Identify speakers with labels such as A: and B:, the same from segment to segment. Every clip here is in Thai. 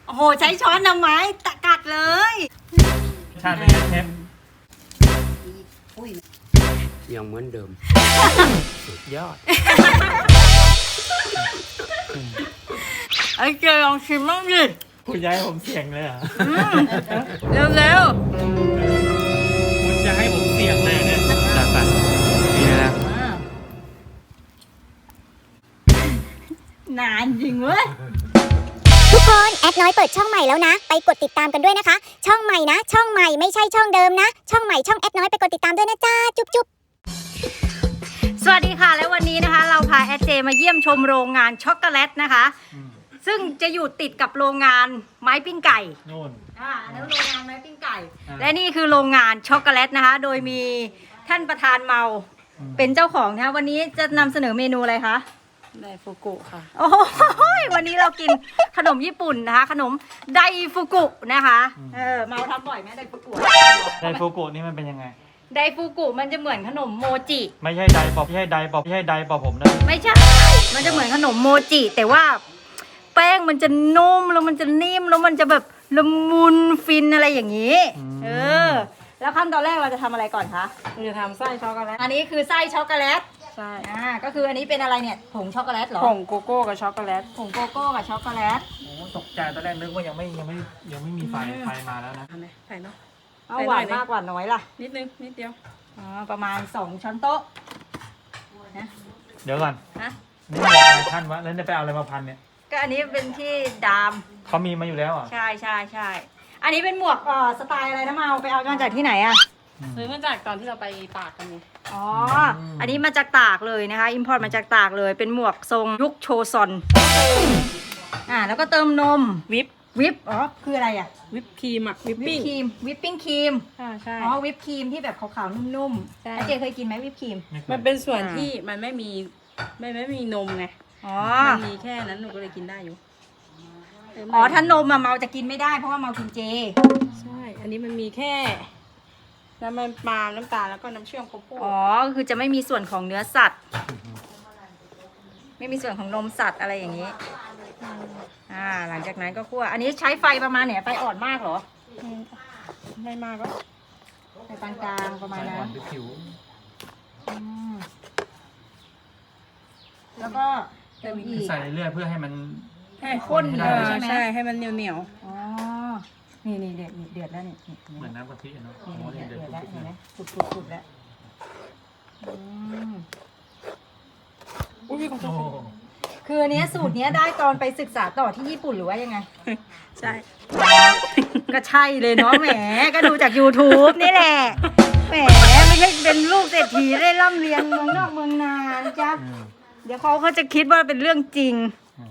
A: โอ้โหใช้ช้อนทำไมตะกัดเลย
B: ชาติเป็นไงเชฟ
C: ยังเหมือนเดิม สุดยอด
A: ไอ้เจลองชิมบ้างดิ
B: คุณย้ายผมเสี่ยงเลยเหรอ
A: เร็ว
B: คุณจะให้ผมเสี่ยงเลยเนี่ยจัดไปนี่นะ
A: นานจริงเว้ย
D: ทุกคนแอดน้อยเปิดช่องใหม่แล้วนะไปกดติดตามกันด้วยนะคะช่องใหม่นะช่องใหม่ไม่ใช่ช่องเดิมนะช่องใหม่ช่องแอดน้อยไปกดติดตามด้วยนะจ้าจุ๊บจุ๊บ
A: สวัสดีค่ะและวันนี้นะคะเราพาแอดเจมาเยี่ยมชมโรงงานช็อกโกแลตนะคะซึ่งจะอยู่ติดกับโรงงานไม้ปิ้งไก่
B: โน่น
A: แล้วโรงงานไม้ปิ้งไก่และนี่คือโรงงานช็อกโกแลตนะคะโดยมีท่านประธานเมาเป็นเจ้าของนะคะวันนี้จะนำเสนอเมนูอะไรคะ
E: ไดฟูกุค่ะ
A: โอ้โหวันนี้เรากินขนมญี่ปุ่นนะคะขนมไดฟูกุนะคะเมาทำบ่อยไหมไดฟูกุ
B: ไดฟูกุนี่มันเป็นยังไง
A: ไดฟูกุมันจะเหมือนขนมโมจิ
B: ไม่ใช่ไดปอบไม่ใช่ไดปอบไม่ใช่ไดปอบผมนะ
A: ไม่ใช่มันจะเหมือนขนมโมจิแต่ว่าแป้งมันจะนุ่มแล้วมันจะนิ่มแล้วมันจะแบบละมุนฟินอะไรอย่างนี้แล้วขั้นตอนแรกเราจะทำอะไรก่อนคะ
E: เราจะทำไส้ช็อกโกแลต
A: อันนี้คือไส้ช็อกโกแลต
E: ใช่
A: ก็คืออันนี้เป็นอะไรเนี่ยผงช็อกโกแลตเหรอ
E: ผงโกโก้กับช็อกโกแลต
A: ผงโกโก้กับช็อกโกแลต
B: โอ้ตกใจตอนแรกนึกว่ายังไม่มีไฟมาแล้วนะ
E: ทำไหมใส่เนาะ
A: เอาหวานมากหวานน้อยล่ะ
E: นิดนึงนิดเดียว
A: ประมาณ2ช้อนโต๊ะ
B: นะเดี๋ยวก่อนนี่ท่านวะแล้วจะไปเอาอะไรมาพันเนี่ย
A: ก็อันนี้เป็นที่ดาม
B: เขามีมาอยู่แล้วอ่ะ
A: ใช่อันนี้เป็นหมวกสไตล์อะไรนะมาเอาไปเอามาจากที่ไหนอ่ะ
E: ซื้อมาจากตอนที่เราไปตากกันไง
A: อันนี้มาจากตากเลยนะคะอิมพอร์ตมาจากตากเลยเป็นหมวกทรงยุคโชซอนแล้วก็เติมนมวิปคืออะไรอ่ะ
E: วิปครีมวิปปิ้ง
A: วิปปิ้งครีม
E: ใช่
A: วิปครีมที่แบบขาวๆนุ่มๆเจเคยกินไหมวิปครีม
E: มันเป็นส่วนที่มันไม่มีนมไงมันมีแค่นั้นหนูก็เลยกินได้อยู่
A: ถ้านมเมาจะกินไม่ได้เพราะว่าเมากินเจ
E: ใช่อันนี้มันมีแค่น้ำมันปาล์มน้ำตาลแล้วก็น้ำเชื่อมโกโก้
A: ก็คือจะไม่มีส่วนของเนื้อสัตว์ไม่มีส่วนของนมสัตว์อะไรอย่างนี้หลังจากนั้นก็คั่วอันนี้ใช้ไฟประมาณเนี่ยไฟอ่อนมากเหรอ
E: ไม่มากก็
A: ไฟปานกลางประมาณนั้นแล้วก็
B: ใส่เรื่อยเพื่อให้มัน
A: ข้นใช่ไหม
E: ใช่ให้มันเหนียว
A: นี่เดือดแล้วนี่
B: เหมือนน้ำกะทิเนาะ
A: เดือดแล้วเห็นไหมสุดแล้วคืออันนี้สูตรนี้ได้ตอนไปศึกษาต่อที่ญี่ปุ่นหรือว่ายังไง
E: ใช่
A: ก็ใช่เลยเนาะแหมก็ดูจาก YouTube นี่แหละแหมไม่ใช่เป็นลูกเศรษฐีได้ร่ำเรียนเมืองนอกเมืองนานะจ๊ะเดี๋ยวเขาจะคิดว่าเป็นเรื่องจริง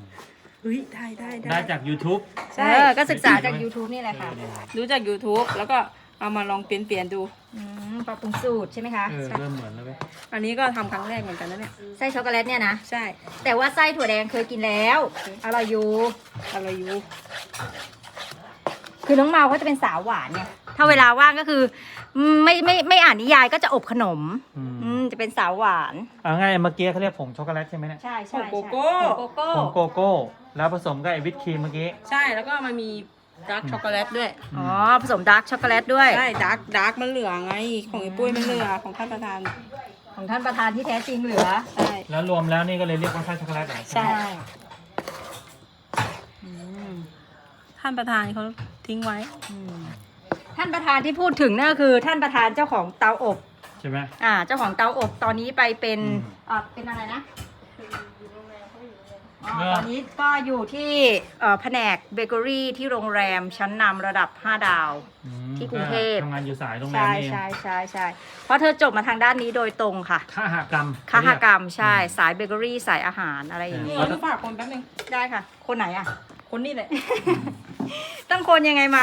E: ได้
B: จาก YouTube
A: ใช่ก็ศึกษาจาก YouTube นี่แหละค่ะ
E: รู้จาก YouTube แล้วก็เอามาลองเปลี่ยนดู
A: ปรับปรุงสูตรใช่ไหมคะ
B: เริ่มเหมือนแล้วไหม
E: อันนี้ก็ทำครั้งแรกเหมือนกันนะเนี่ย
A: ไส้ช็อกโกแลตเนี่ยนะ
E: ใช่
A: แต่ว่าไส้ถั่วแดงเคยกินแล้วอร่อยอยู่คือน้องเมาเขาจะเป็นสาวหวานเนี่ยถ้าเวลาว่างก็คือไม่อ่านนิยายก็จะอบขนมจะเป็นสาวหวาน
B: ง่ายเมื่อกี้เขาเรียกผงช็อกโกแลตใช่ไหมเนี่ย
A: ใช่
E: ผงโกโก้
B: ผงโกโก้แล้วผสมกับไอวิปครีมเมื่อกี้
E: ใช่แล้วก็มันมีดาร์กช็อกโกแลตด้วย
A: ผสมดาร์กช็อกโกแลตด้วย
E: ใช่ดาร์กมันเหลือไงของไอ้ปุ้ยมันเหลือของท่านประธาน
A: ที่แท้จริงเหลือ
E: ใช่
B: แล้วรวมแล้วนี่ก็เลยเรียกว่าไส้ช็อกโกแลต
E: ใช่ท่านประธานเขาทิ้งไว้
A: ท่านประธานที่พูดถึงนั่นก็คือท่านประธานเจ้าของเตาอบ
B: ใช่ไหม
A: เจ้าของเตาอบตอนนี้ไปเป็นอะไรนะตอนนี้ก็อยู่ที่แผนกเบเกอรี่ที่โรงแรมชั้นนำระดับ5ดาวที่กรุงเทพ
B: ทำงานอยู่สายโรงแรมนี่
A: ใช่เพราะเธอจบมาทางด้านนี้โดยตรงค่ะ
B: คหกรรม
A: ใช่สายเบเกอรี่สายอาหารอะไรอย่างนี้
E: ฝากคนแป๊บนึง
A: ได้ค่ะคนไหนอ่ะ
E: คนนี้แหละ
A: ต้องคนยังไงเมา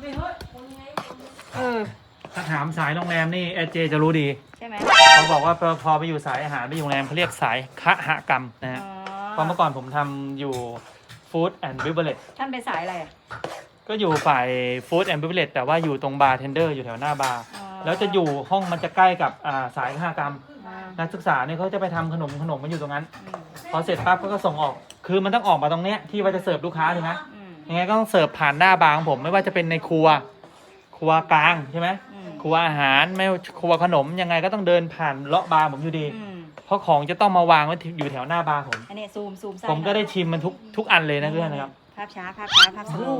B: ถ้าถามสายโรงแรมนี่เจจะรู้ดี
A: ใช่ไหม
B: เขาบอกว่าพอไปอยู่สายอาหารไปอยู่โรงแรมเขาเรียกสายคหกรรมนะฮะเพราะเมื่อก่อนผมทำอยู่ Food and Beverage
A: ท่านเป็นสายอะไรอ่ะ
B: ก็อยู่ฝ่าย Food and Beverage แต่ว่าอยู่ตรงบาร์เทนเดอร์อยู่แถวหน้าบาร์แล้วจะอยู่ห้องมันจะใกล้กับสายคหกรรมนักศึกษาเนี่ยเขาจะไปทำขนมมันอยู่ตรงนั้นพอเสร็จปั๊บก็ส่งออกคือมันต้องออกมาตรงเนี้ยที่ว่าจะเสิร์ฟลูกค้าถูกไหมยังไงก็ต้องเสิร์ฟผ่านหน้าบาร์ของผมไม่ว่าจะเป็นในครัวกลางใช่ไหมครัวอาหารไม่ครัวขนมยังไงก็ต้องเดินผ่านเลาะบาร์ผมอยู่ดี เพราะของจะต้องมาวางไว้อยู่แถวหน้าบาร์ผม
A: อันนี้ซูมไส้
B: ผมก็ได้ชิมมันทุกอันเลยนะเพื่อนนะครับ
A: ภาพช้าภาพสโล
B: โอ้
A: ว์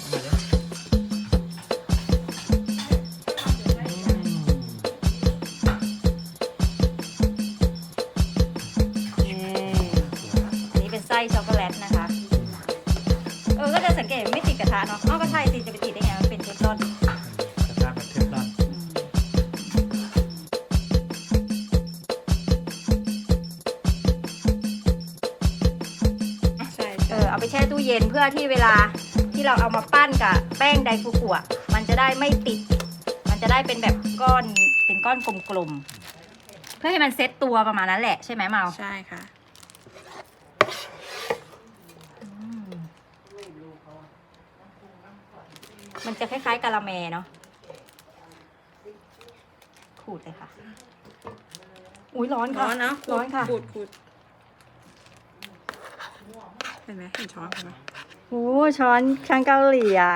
A: อันนี้เป็นไส้ช็อกโกแลตนะคะ ก็จะสังเกตไม่ติดกระทะเนาะก็ใช่สิจะไปติดได้ไงมันเป็นเทฟลอน
B: กระทะแบบเทฟลอน
E: ใช่
A: เอาไปแช่ตู้เย็นเพื่อที่เวลาที่เราเอามาปั้นกับแป้งไดฟูกุอ่ะมันจะได้ไม่ติด มันจะได้เป็นแบบก้อนเป็นก้อนกลมๆเพื่อให้มันเซ็ตตัวประมาณนั้นแหละใช่ไหมเมา
E: ใช่ค่ะ
A: มันจะคล้ายๆกะละแมเนาะขูดเลยค่ะอุ้ยร้อนค่ะ
E: ร้อนนะ
A: ร้อนค่ะ
E: ขูดเห็นไหมเห็นช้อนไหม
A: โอ้ช้อนเกาหลีอ่ะ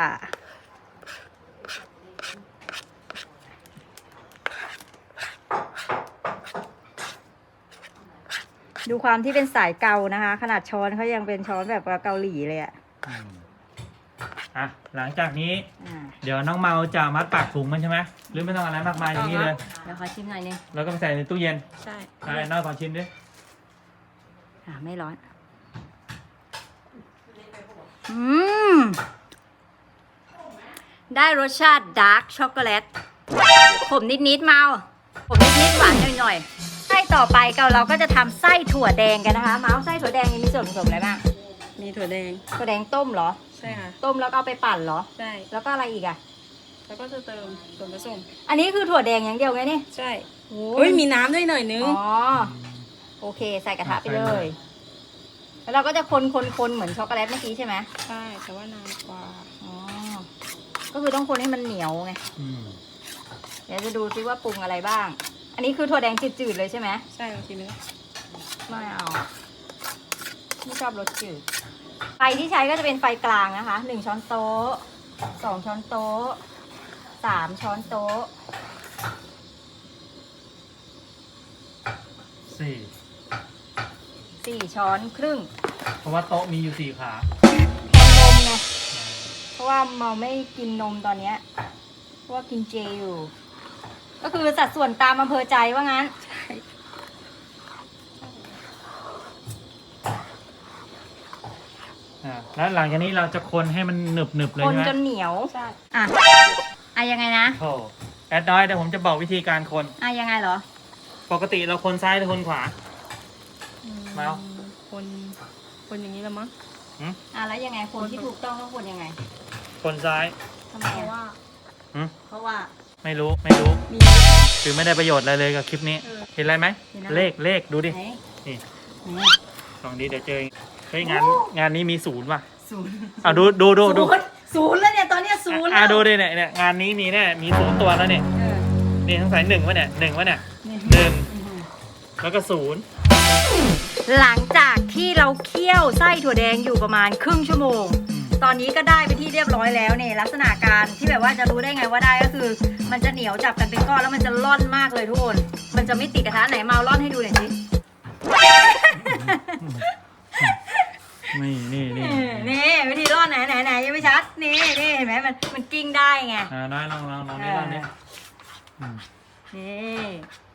A: ดูความที่เป็นสายเกานะคะ ขนาดช้อนเขายังเป็นช้อนแบบเกาหลีเลยอ่ะ
B: หลังจากนี้
A: อ่า
B: เดี๋ยวน้องเมาจะมัดปากถุงมันใช่ไหมหรือไม่ต้องอะไรมากมายอย่างนี้เลย
A: เดี๋ยวขอชิมหน่อยนึง
B: แล้วก็ไปใส่ในตู้เย็น
E: ใช่
B: อะไรน้อยขอชิมดิ
A: ไม่ร้อน ได้รสชาติดาร์กช็อกโกแลตขมนิดๆเมาขมนิดๆหวานหน่อยๆไส้ต่อไปเราก็จะทำไส้ถั่วแดงกันนะคะ เมาไส้ถั่วแดงมีส่วนผสมอะไรบ้าง
E: มีถั่วแดง
A: ถั่วแดงต้มเหรอ
E: ใช่ค่ะ
A: ต้มแล้วก็เอาไปปั่นเหรอ
E: ใช่
A: แล้วก็อะไรอีกอ่ะ
E: แล้วก็จะเติมส่วนผสม
A: อันนี้คือถั่วแดงอย่างเดียวไงนี่
E: ใช่
A: โอ้
E: เฮ้ยมีน้ำด้วยหน่อยนึง
A: อ๋อโอเคใส่กระทะไปเลย แล้วเราก็จะคนเหมือนช็อกโกแลตเมื่อกี้ใช่ไหม
E: ใช่แต่ว่านานกว่า
A: อ๋อก็คือต้องคนให้มันเหนียวไง
B: อืม
A: เดี๋ยวจะดูซิว่าปรุงอะไรบ้าง อันนี้คือถั่วแดงจืดๆเลยใช่ไหม
E: ใช่ลองชิมดู
A: ไม่เอาไม่ชอบรสจืด ไฟที่ใช้ก็จะเป็นไฟกลางนะคะ1 ช้อนโต๊ะ2 ช้อนโต๊ะ3 ช้อนโต๊ะ 4 ช้อนครึ่ง
B: เพราะว่าโต๊ะมีอยู่4 ขา
A: แทนนมไง เพราะว่าเมาไม่กินนมตอนเนี้ยเพราะว่ากินเจอยู่ ก็คือสัดส่วนตามอำเภอใจว่างั้น
B: แล้วหลังจากนี้เราจะคนให้มันหนึบๆเลย
A: คน
B: ใช่ไหม
A: จนเหนียว
E: ใช่
A: อ่ะยังไงนะ
B: โอ้แอดน้อยเดี๋ยวผมจะบอกวิธีการคน
A: ยังไงเหรอ
B: ปกติเราคนซ้ายหรือคนขวา เมา
E: คนอย่างนี้แล้วมั้ง
A: แล้วยังไงคนที่ถูกต้องต้องคนยังไง
B: คนซ้าย
A: ทำไมอ่ะ เพราะว่า
B: ไม่รู้
E: มี
B: คือไม่ได้ประโยชน์อะไรเลยกับคลิปนี้ เห็นอะไรไหม
A: เห็นอะไร
B: เลขดูดิ
A: ไหน
B: นี่
A: ไหน
B: ลองดีเดี๋ยวเจอเฮ้ยงานนี้มี0ว่ะ
A: 0
B: อ่ะดู
A: ศูนย์แล้วเนี่ยตอนเนี้ยศูนย์แล้ว
B: ดูดิเนี่ยงานนี้มีแน่มี0ตัวแล้วเนี่ย
A: เออ
B: นี่ทั้งสาย1วะเนี่ย1วะเนี่ย
A: นี่
B: 1แล้วก็0
A: หลังจากที่เราเคี่ยวไส้ถั่วแดงอยู่ประมาณครึ่งชั่วโมง ตอนนี้ก็ได้ไปนที่เรียบร้อยแล้วเนี่ยลักษณะการที่แบบว่าจะรู้ได้ไงว่าได้ก็คือ มันจะเหนียวจับกันเป็นก้อนแล้วมันจะร่อนมากเลยทุกคน มันจะไม่ติดกระทะไหนมาเอาร่อนให้ดูหน่อยสิ
B: นี่
A: นี่วิธีร่อนไหนยังไม่ชัดนี่เห็นไหมมันกิ้งได้ไง
B: น้อยลองนี่ลองนี่
A: นี่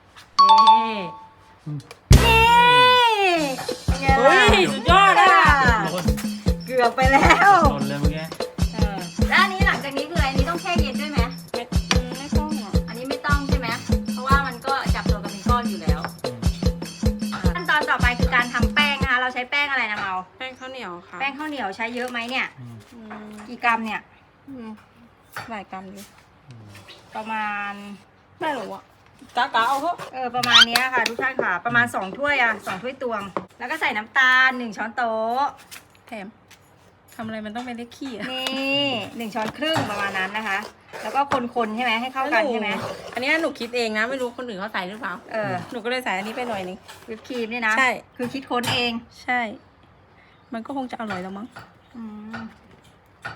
A: เป็นไงล่ะ
E: เฮ้ยสุดยอดอ่ะ
A: เกือบไปแล้ว
B: หล่นเลยเมื่อกี้
A: แล้วอันนี้หลังจากนี้คืออะไรอันนี้ต้องแช่เย็นด้วยไหม
E: ไม่ต้องอ่ะ
A: อันนี้ไม่ต้องใช่ไหมเพราะว่ามันก็จับตัวกันเป็นก้อนอยู่แล้วขั้นตอนต่อไปคือการทำแป้งนะคะเราใช้แป้งอะไรนะเมา
E: แป้งข้าวเหนียวค่ะ
A: แป้งข้าวเหนียวใช้เยอะไหมเนี่ย
E: อืม
A: กี่กรัมเนี่ย
E: หลายกรัมดิ
A: ประมาณ
E: ไม่รู้อ่ะกะเอาเถอะ
A: ประมาณเนี้ยค่ะทุกท่านค่ะประมาณ2 ถ้วย2 ถ้วยตวง แล้วก็ใส่น้ำตาล1 ช้อนโต๊ะ
E: แถมทำอะไรมันต้องเป็นเลขขี้อ่ะ
A: นี่1 ช้อนครึ่งประมาณนั้นนะคะ แล้วก็คนๆใช่ไหมให้เข้ากันใช่ไหม
E: อันนี้หนูคิดเองนะไม่รู้คนอื่นเขาใส่หรือเปล่าหนูก็เลยใส่อันนี้ไปหน่อยนึง
A: วิปครีมนี่นะ
E: ใช่
A: คือคิดค้นเอง
E: ใช่ มันก็คงจะอร่อยแล้วมั้ง
A: อืม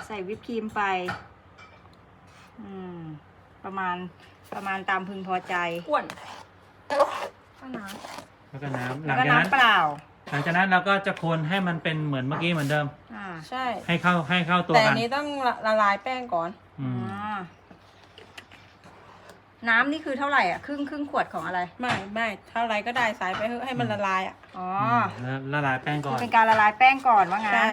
A: ใส่วิปครีมไปประมาณตามพึงพอใจ
E: อ้วนข้าวน้
B: แล้วก็น้ำห
A: แล้
B: ลั
A: ว
B: ง
A: ก็
B: จากนั้น
A: น้ำเปล่า
B: หลังจากนั้นเราก็จะคนให้มันเป็นเหมือนเมื่อกี้เหมือนเดิม
E: ำใช่
B: ให้เข้าตัว
E: แต่
B: กั
E: อั
B: น
E: นนี้ต้องละลายแป้งก่อน
B: อืม
A: น้ำนี่คือเท่าไหร่อ่ะครึ่งขวดของอะไร
E: ไม่เท่าไรก็ได้ใส่ไปเถอะให้มันละลายอ่ะ
A: อ๋อ
B: แล้วละลายแป้งก่อน
A: เป็นการละลายแป้งก่อนว่างั้น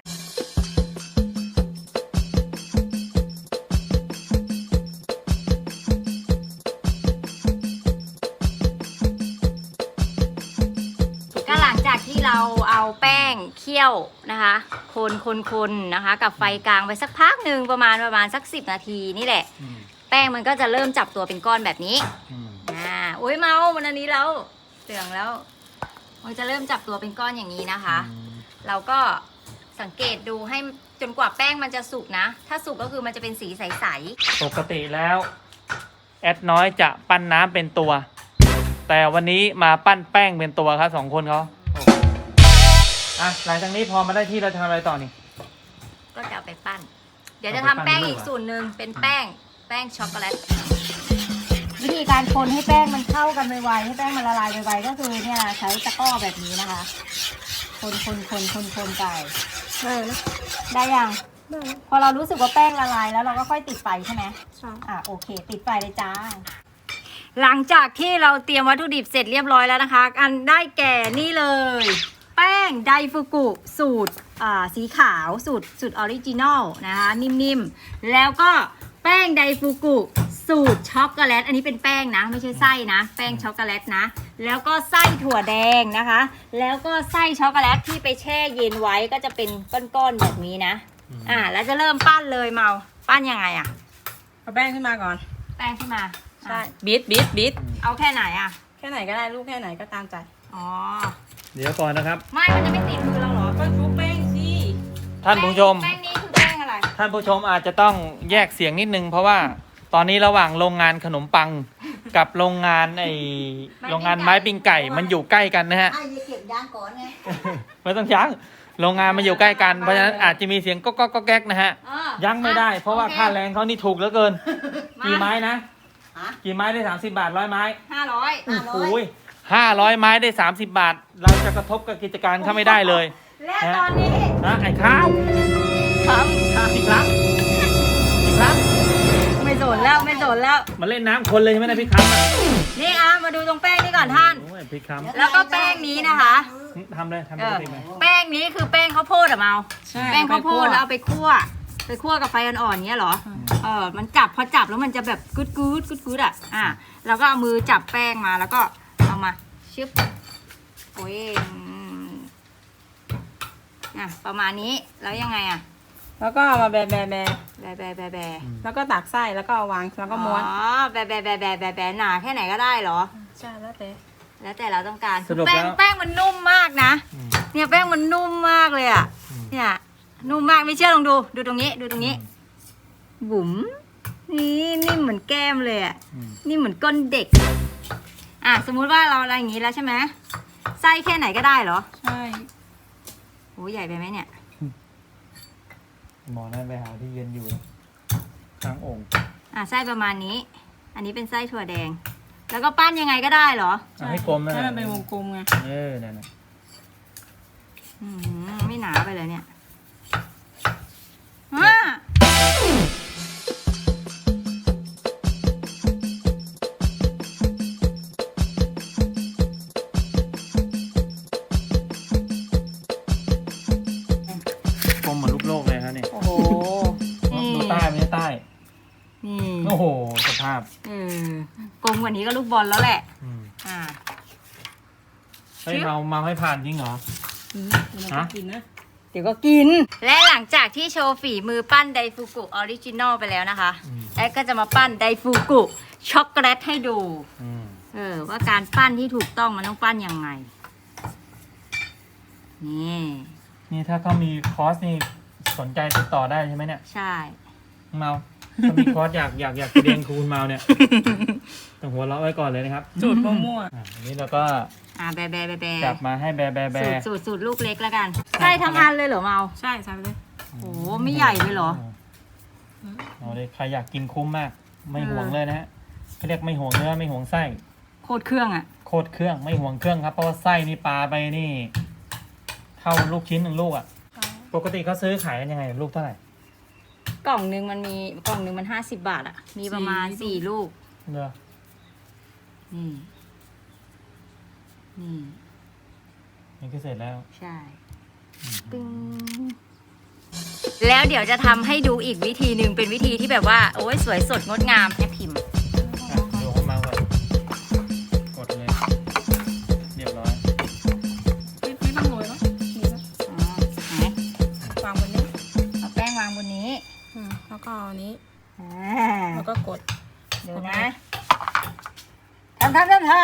A: ก็หลังจากที่เราเอาแป้งเคี่ยวนะคะคนนะคะ กับไฟกลางไปสักพักหนึ่งประมาณสัก10 นาทีนี่แหละ
B: อืม
A: แป้งมันก็จะเริ่มจับตัวเป็นก้อนแบบนี้
B: อืม
A: โอ้ยเมามันอันนี้แล้วเตืองแล้ว มันจะเริ่มจับตัวเป็นก้อนอย่างนี้นะคะ เราก็สังเกตดูให้จนกว่าแป้งมันจะสุกนะ ถ้าสุกก็คือมันจะเป็นสีใส
B: ปกติแล้วแอดน้อยจะปั้นน้ำเป็นตัว แต่วันนี้มาปั้นแป้งเป็นตัวครับ2 คนเขาอ่ะหลังจากนี้พอมาได้ที่เราจะทำอะไรต่อนี่
A: ๆก็จะเอาไปปั้น เดี๋ยวจะ
B: เอา
A: ทำ
B: ไปปั้น
A: แป้ง
B: ลูก
A: อีก
B: เหรอ
A: สูตรหนึ่งเป็นแป้งช็อกโกแลต วิธีการคนให้แป้งมันเข้ากันไวๆให้แป้งมันละลายไวๆก็คือเนี่ยใช้ตะกร้อแบบนี้นะคะ คนไปได้ยังพอเรารู้สึกว่าแป้งละลายแล้วเราก็ค่อยติดไฟใช่ไหม
E: ใช่
A: โอเค ติดไฟเลยจ้า หลังจากที่เราเตรียมวัตถุดิบเสร็จเรียบร้อยแล้วนะคะ อันได้แก่นี่เลย แป้งไดฟูกุสูตรสีขาวสูตรออริจินอลนะคะนิ่มๆแล้วก็แป้งไดฟูกุสูตรช็อกโกแลตอันนี้เป็นแป้งนะไม่ใช่ไส้นะแป้งช็อกโกแลตนะแล้วก็ไส้ถั่วแดงนะคะแล้วก็ไส้ช็อกโกแลตที่ไปแช่เย็นไว้ก็จะเป็นก้อนๆแบบนี้นะแล้วจะเริ่มปั้นเลยเมาปั้นยังไงอะ
E: เอาแป้งขึ้นมาก่อน
A: แป้งขึ้นมา
E: ใช่บิด
A: เอาแค่ไหนอะ
E: แค่ไหนก็ได้ลูกแค่ไหนก็ตามใจ
A: อ๋อ
B: เดี๋ยวก่อนนะครับ
A: ไม่มันจะไม่ติดมือเราเหรอ
E: ก็ชุบแป้งสิ
B: ท่านผู้ชม
A: แป้งนี้คือแป้งอะไร
B: ท่านผู้ชมอาจจะต้องแยกเสียงนิดนึง เพราะว่าตอนนี้ระหว่างโรงงานขนมปังกับโรงงานโรงงานไม้ปิ้งไก่มันอยู่ใกล้กันนะฮะ
A: เก็บยางก่อนไง
B: ไม่ต้องยั้งโรงงานมันอยู่ใกล้กันเพราะฉะนั้นอาจจะมีเสียงก๊อกก๊อกแก๊กนะฮะยั้งไม่ได้ เพราะว่าค่าแรงเขานี่ถูกเหลือเกิน กี่ไม้นะกี่ไม้ได้30 บาท100 ไม้
A: 500
B: โอ้โห500 ไม้ได้30 บาท เราจะกระทบกับกิจการเขาไม่ได้เลย
A: และตอนนี้
B: นะไอ้ข้าวครับพี่ครับพี่ครับ
A: ไม่สนแล้วไม่สนแล้ว
B: มาเล่นน้ำคนเลยใช่ไหมนะพี่ครับ
A: นี่มาดูตรงแป้งนี้ก่อนท่าน
B: โอ้ยพี่ครับ
A: แล้วก็แป้งนี้นะคะ
B: ทำเลยทำปกติไหม
A: แป้งนี้คือแป้งข้าวโพดอะเมา
E: ใช่
A: แป้งข้าวโพดแล้วเอาไปคั่วกับไฟอ่อนๆเนี้ยเหรอ มันจับพอจับแล้วมันจะแบบกึดอ่ะเราก็เอามือจับแป้งมาแล้วก็เอามาชึบโอ้ยประมาณนี้แล้วยังไงอะ
E: แล้วก็เอามาแบะ
A: แบ
E: แล้วก็ตักไส้แล้วก็เอาวางแล้วก็ม้วน
A: แบหนาแค่ไหนก็ได้เหรอ
E: ใช่แล้วแต่
A: แล้วแต่เราต้องการ
B: สรุป
A: แป้
B: แล้
A: ง
B: ว
A: แป้งมันนุ่มมากนะ
B: อืม
A: เนี่ยแป้งมันนุ่มมากเลยอ่ะ เนี่ยนุ่มมากไม่เชื่อลองดูตรงนี้บุ๋มนี่นิ่มเหมือนแก้มเลยอ่ะ
B: อืม
A: นี่เหมือนก้นเด็กสมมุติว่าเราอะไรอย่างนี้แล้วใช่ไหมไส้แค่ไหนก็ได้เหรอ
E: ใช่
A: โอ้ใหญ่ไปไหมเนี่ย
B: หมอนั่นไปหาที่เย็นอยู่ข้างโอ่ง
A: ไส้ประมาณนี้ อันนี้เป็นไส้ถั่วแดง แล้วก็ปั้นยังไงก็ได้เหรอ
B: เอาให้กลมนะ
E: ให้มันเป็นวงกลมไง
B: นั่นน่ะ
A: ไม่หนาไปเลยเนี่ย
B: กลมเหมือนลูกโลกเลยครับนี่
A: โอ้โห
B: ดูใต้ไม่ใช่ใต้
A: นี่
B: โอ้โหสภาพ
A: กลมกว่านี้ก็ลูกบอลแล้วแหละ
B: อืม
A: อ่า
B: เฮ้ยเมาให้ผ่านจริงเหรอ
E: มันก็กินนะ
A: เดี๋ยวก็กิน และหลังจากที่โชว์ฝีมือปั้นไดฟูกุออริจินอลไปแล้วนะคะ แอดก็จะมาปั้นไดฟูกุช็อกโกแลตให้ดู ว่าการปั้นที่ถูกต้องมันต้องปั้นยังไง นี่
B: นี่ถ้าเขามีคอร์สนี่สนใจติดต่อได้ใช่ไหมเนี่ย
A: ใช่
B: เมาถ้ามีคอร์สอยากเรียนครูคุณเมาเนี่ยต้องหัวเราะไว้ก่อนเลยนะครับ
E: สูตรมั่ว
B: อันนี้เราก็
A: แบ
B: จับมาให้แบ
A: สูตรลูกเล็กแล้วกันใช่ทั้งอันเลยเหรอเมา
E: ๆใช่ใส่ไปเลย
A: โอ้ไม่ใหญ่เลยเหรอ
B: เอาเลยใครอยากกินคุ้มมาก ไม่ห่วงเลยนะฮะเขาเรียกไม่ห่วงเนื้อไม่ห่วงไส้
A: โคตรเครื่องอ่ะ
B: โคตรเครื่องไม่ห่วงเครื่องครับเพราะว่าไส้นี่ปลาไปนี่เท่าลูกชิ้นหนึ่งลูกอ่ะปกติเขาซื้อขายกันยังไงลูกเท่าไหร่
A: กล่องหนึ่งมัน50 บาทอ่ะ มีประมาณ4 ลูก
B: เนอะ
A: นี่นี่
B: นี่ก็เสร็จแล้ว
A: ใช่ตึงแล้วเดี๋ยวจะทำให้ดูอีกวิธีหนึ่งเป็นวิธีที่แบบว่าโอ้ยสวยสดงดงามแค่พิมพ์
B: เดี๋ยวเข้ามาก่อนกดเลยเรียบร้อย
E: พี่ต้องโรยเนาะนี่นะ
A: อ๋อไหน
E: วางบนนี้
A: เอาแป้งวางบนนี้
E: แล้วก็อันนี้
A: อ่า
E: แล้วก็กด
A: เดี๋ยวนะทำ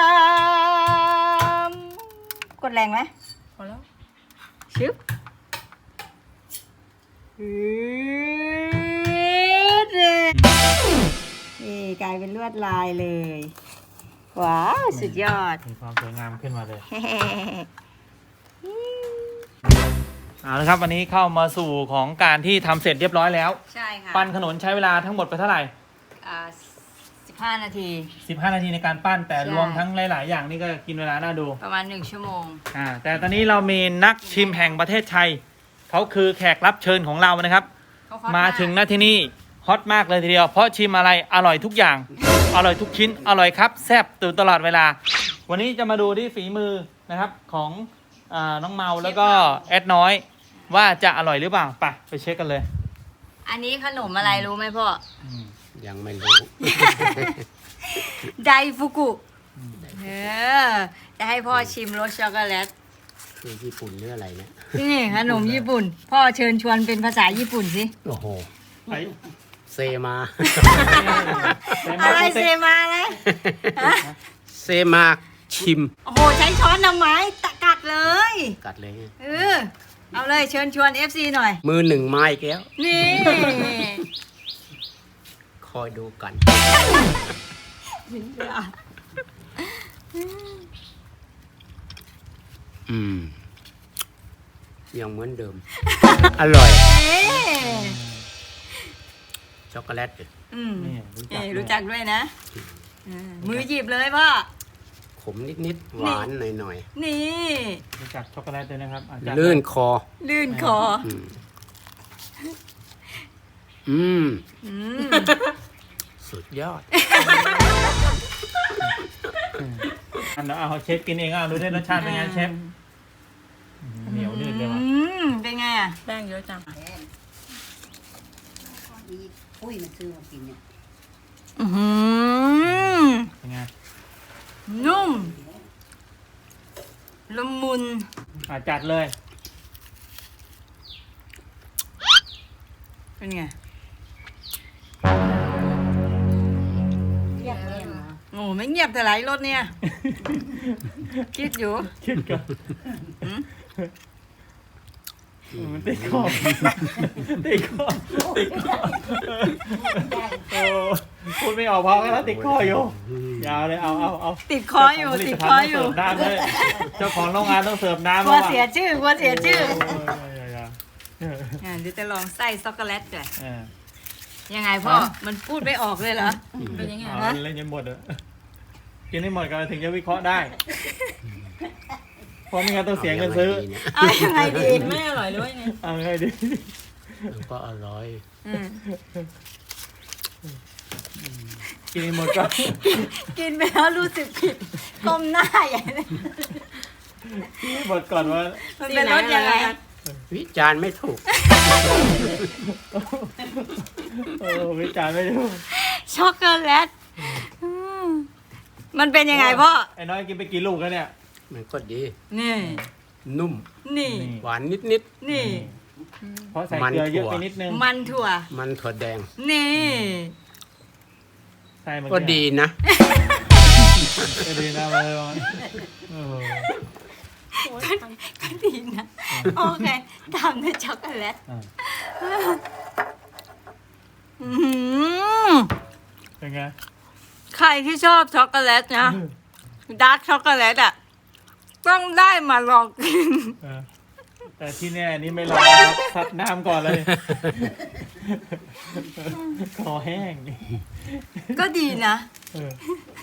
A: กดแรงไหม
E: พอแล้ว
A: ชึบนี่กลายเป็นลวดลายเลย ว้าว สุดยอด
B: มีความสวยงามขึ้นมาเลยเอาละครับวันนี้เข้ามาสู่ของการที่ทำเสร็จเรียบร้อยแล้ว
A: ใช่ค่ะ
B: ปั้นขนมใช้เวลาทั้งหมดไปเท่าไหร่
A: 15 นาที
B: 15 นาทีในการปั้นแต่
A: ใช่
B: รวมทั้งหลาย ๆ อย่างนี่ก็กินเวลาน่าดู
A: ประมาณ1 ชั่วโมง
B: แต่ตอนนี้เรามีนักชิมแห่งประเทศไทยเขาคือแขกรับเชิญของเรานะครับ
A: เขาฮอต
B: มาถึงหน้าที่นี่ฮอตมากเลยทีเดียว เพราะชิมอะไรอร่อยทุกอย่าง อร่อยทุกชิ้น อร่อยครับแซ่บตื่นตลอดเวลา วันนี้จะมาดูที่ฝีมือนะครับของน้องเมาแล้วก็แอดน้อย ว่าจะอร่อยหรือเปล่าไปเช็คกันเลย
A: อันนี้ขนมอะไรรู้ไหมพ่อ
C: ยังไม่รู้
A: ไดฟุกุจะให้พ่อชิมรสช็อกโกแลต
C: คือญี่ปุ่นหรืออะไรเนี่ย
A: นี่ขนมญี่ปุ่น พ่อเชิญชวนเป็นภาษาญี่ปุ่นสิ
C: โอ้โห เซมา
A: อะไรเซมาอะไรฮะ
C: เซมาชิม
A: โอ้โห ใช้ช้อนทำไมตะกัดเลย
C: กัดเลย
A: เอาเลยเชิญชวน FC หน่อย
C: มือหนึ่งไม้แก้ว
A: นี่
C: คอยดูกัน ยังเหมือนเดิม อร่อย ช็อกโกแลต
B: นี่
A: รู้จักด้วยนะมือหยิบเลยพ่อ
C: ขมนิดๆ หวานหน่อย
A: นี่
B: รู้จักช็อกโกแลตด้วยนะครับจัด
C: ๆ ลื่นคอ
A: ลื่นคอ
C: สุดยอด
B: อันเอาเชฟกินเองดูได้รสชาติเป็นไงเชฟเหนียวนืดเลยว่ะ
A: เป็นไงอ่ะ
E: แป้งเยอะจัง
F: ปุ้ยมาซื้อมากินเนี่ย
B: เป็นไง
A: นุ่มละมุน
B: จัดเลย
A: เป็นไง
F: เทียบเองเหรอ
A: โอ้ไม่เงียบแต่ไหลรถเนี่ย คิดอยู่
B: คิดก่อนมันติดคอติดคอโอ้พูดไม่ออกเพราะแล้วติดคออยู่ยาวเลยเอา
A: ติดคออยู่ติดคออยู่
B: เสิร์ฟน้ำเลยเจ้าของโรงงานต้องเสิร์ฟน้ำ
A: กลัวเสียชื่อกลัวเสียชื่อ
B: โ
A: เดี๋ยวจะลองไส้ช็อกโกแลตด้วย
B: อ้ย
A: ยังไงพ่อ มันพูดไม่ออกเลยเหรอ
E: เป็นยังไง
B: เอาเล่นจนหมดเลยกินให้หมดกันถึงจะวิเคราะห์ได้เพราะไม่งั้นต้องเสียเงินซื้อ
A: เอายังไงดี
E: ไม่อร่อยหรือว่ายังไง
B: เอาไงดี
C: มันก็อร่อย
B: กินให้หมดก็
A: กินไปแล้วรู้สึกผิดก้มหน้าใหญ่เลย
B: กินให้หมดก่อนว่า
A: มันเป็นรสยังไง
C: วิจารณ์ไม่ถูก
B: วิจารณ์ไม่ถูก
A: ช็อกโกแลตมันเป็นยังไงพ่อ
B: ไอ้น้อยกินไปกี่ลูกแล้วเนี่ย
C: มันก็ดี
A: นี่
C: นุ่ม
A: นี่
C: หวานนิด
A: นี่
B: เพราะใส่เกลือเยอะไปนิดนึง
A: มันถั่ว
C: ๆ มันถั่วแดง
A: นี่
B: ใส่มัน
C: ก็ดีนะ
B: ก็ดีนะมาเลย
A: ก็ดีนะ โอเคตามด้วยช็อกโกแลต
B: เป็นไง
A: ใครที่ชอบช็อกโกแลตนะดาร์กช็อกโกแลตอ่ะต้องได้มาลองกิน
B: แต่ที่แน่นี่ไม่รอครับซัดน้ำก่อนเลยคอแห้ง
A: ก็ดีนะ
B: เออ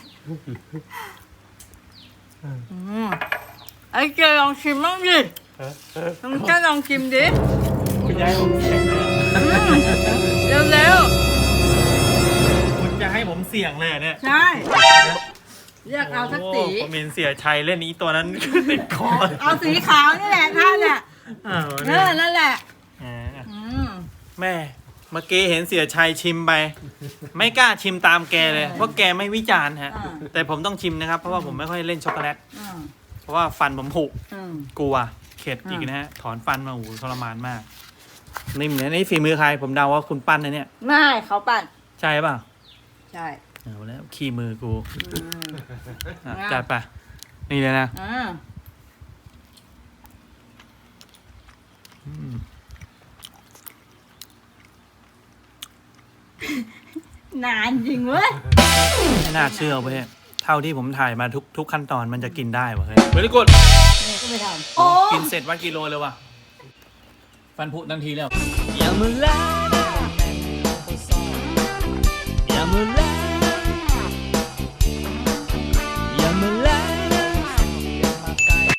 A: ไอ้เจลองชิมบ้างดิลองลองชิมดิ
B: คุณยายผมเสี่ยงเลย
A: เร็ว
B: คุณจะให้ผมเสี่ยงเลยเหรอเนี่ย
A: ๆใช่เรียกเอาสักสี
B: โอ้ผมเห็นเสียชัยเล่นนี้ตัวนั้น ติดคอ
A: เอาสีขาวนี่แหละท่านน่ะ
B: อ้าว
A: นั่นแหละ
B: อ่า
A: อืม
B: แม่เมื่อกี้เห็นเสียชัยชิมไป ไม่กล้าชิมตามแกเลย เพราะแกไม่วิจารณ์ฮะ แต่ผมต้องชิมนะครับ เพราะว่าผมไม่ค่อยเล่นช็อกโกแลต
A: อืม
B: เพราะว่าฟันผมผุ
A: อืม
B: กลัวเข็ดอีกนะฮะ ถอนฟันมาโอ้โหทรมานมาก นี่เหมือนนี่ฝีมือใคร ผมเดาว่าคุณปั้นนะเนี่ย
A: ไม่เขาปั่น
B: ใช่เปล่า
A: ใช่
B: เอาแล้วขี้มือกู
A: อืม
B: อ่ะจัดไป นี่เลยนะ
A: อ่า
B: อืม
A: นานจริงเว้ย
B: ไม่น่าเชื่อเว้ยเท่าที่ผมถ่ายมาทุกขั้นตอนมันจะกินได้วะเฮ้ยเวลิกด
A: นี่ก็ไม่ทำ
B: กินเสร็จวัดกิโลเลยว่ะ ฟันผุทันทีแล้ว
G: อย่ามาแลก